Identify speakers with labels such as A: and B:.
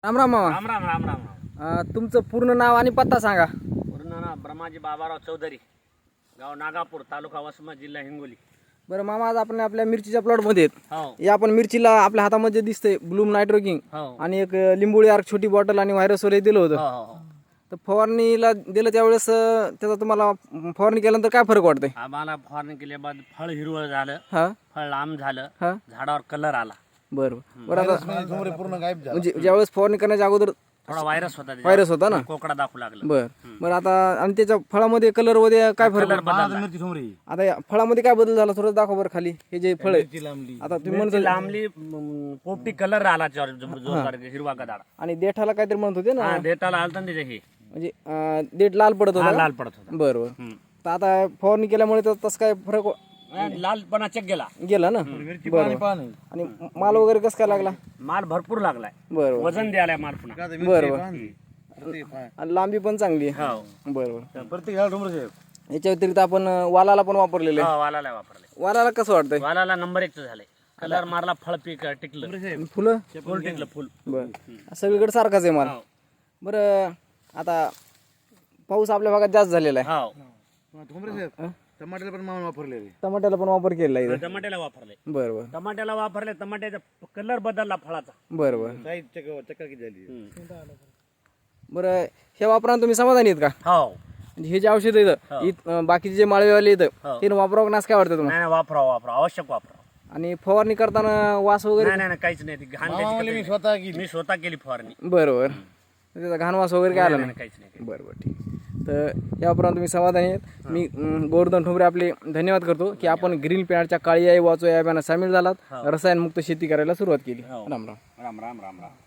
A: राम राम मामा.
B: राम राम राम राम राम.
A: तुमचं पूर्ण नाव आणि पत्ता सांगा.
B: पूर्ण नाव ब्रह्माजी बाबाराव चौधरी, गाव नागापूर, तालुका वसमत, जिल्हा हिंगोली.
A: बरं मामा, आज आपण आपल्या मिरचीच्या प्लॉटमध्ये आहेत.
B: हो
A: या आपण मिरचीला आपल्या हातामध्ये दिसतंय ब्लूम नायट्रोकिंग
B: हो
A: आणि एक लिंबोळी आर्क छोटी बॉटल आणि व्हायरस वगैरे दिलं होतं.
B: हो हो.
A: तर फवारणीला दिलं त्यावेळेस त्याचा तुम्हाला फवारणी केल्यानंतर काय फरक वाटतंय?
B: आम्हाला फवारणी केल्या बाद फळ हिरवळ झालं,
A: हा
B: फळ लांब झालं,
A: हा
B: झाडावर कलर आला.
A: बरं बरं. आता
C: पूर्ण गायब झाला.
A: म्हणजे ज्यावेळेस फवारणी करण्याच्या अगोदर
B: थोडा व्हायरस होता त्याच्यावर.
A: व्हायरस होता ना.
B: कोकडा दाखवू लागलं.
A: बरं बरं. आता आणि त्याच्या फळामध्ये कलर मध्ये काय फरक
B: कलर
A: पडला?
B: बदलला.
C: मिरची समोर
A: आता या फळामध्ये काय बदल झाला थोडं दाखवा बरं खाली. हे जे फळ आहे
C: मिरची लांबली.
A: आता तुम्ही
B: मिरची
A: म्हणतो
B: लांबली, पोपटी कलर आला त्याच्यावर, जोरदार हिरवा गदाड.
A: आणि देठाला काहीतरी म्हणत होते ना,
B: हा देटाला आलता ना त्याचे हे.
A: म्हणजे देठ लाल पडत
B: हा,
A: होता.
B: लाल पडत होता.
A: बरं बरं. तर आता फवारणी केल्यामुळे तर तसं काय फरक
B: लालपणा चेक गेला.
A: गेला ना.
C: मिरची
A: बरं
C: पाणी पाणी.
A: आणि माल वगैरे कसं काय लागला?
B: माल भरपूर लागलाय.
A: बरं बरं.
B: वजन द्यायला माल पुन्हा.
C: मिरची
A: बरं.
C: पाणी. प्रत्येक पाणी.
A: आणि लांबी पण चांगली आहे.
B: हो
A: बरं बरं.
C: प्रत्येक झाड समोर आहे.
A: याच्या व्यतिरिक्त आपण वालाला पण वापरलेले आहे.
B: हो, वालाला वापरले.
A: वालाला कसं वाटतंय?
B: वालाला नंबर 1 झालंय. कलर मारला, फळ पीक टिकलं,
A: फुलं
B: फुल टिकलं फुल.
A: बरं. सगळीकडे सारखाच आहे माल.
B: हो
A: बरं. आता पाऊस आपल्या भागात जास्त झालेला आहे.
B: हो.
C: समोर आहे. टमाटर पण मामा वापरलेले.
A: टमाट्याला पण वापर केलेला आहे इथं.
B: टमाट्याला वापरले.
A: बरं बरं.
B: टमाट्याला वापरले, टमाट्याचा कलर बदलला फळाचा.
A: बरं बरं.
C: साईज चक्कर किती झाली.
A: बरं. हे वापरान तुम्ही समाधानी आहेत का?
B: हो.
A: म्हणजे हे जे औषध येतं बाकीचे जे माळेवाले येतं
B: हो.
A: ते वापरावं नास काय वाटतं तुम्हाला?
B: नाही वापरा आवश्यक वापरा.
A: आणि फवारणी करताना वास वगैरे?
B: नाही काहीच नाही. ती घाण
C: मामा
B: त्याची
C: म्हणले मी
B: कधी-
C: स्वतः केली.
B: मी स्वतः केली फवारणी.
A: बरं बरं. त्याचा घाण वास वगैरे काय आला
B: नाही,
A: नाही?
B: काहीच नाही.
A: बरं बरं, ठीक. तर याप्रमाणे तुम्ही समाधानी आहेत. मी गोवर्धन ठोंबरे आपले धन्यवाद करतो की आपण ग्रीन पॅडच्या काळी आई वाचो या अभियानात सामील झालात, रसायनमुक्त शेती करायला सुरुवात केली. राम राम.
B: राम राम राम राम.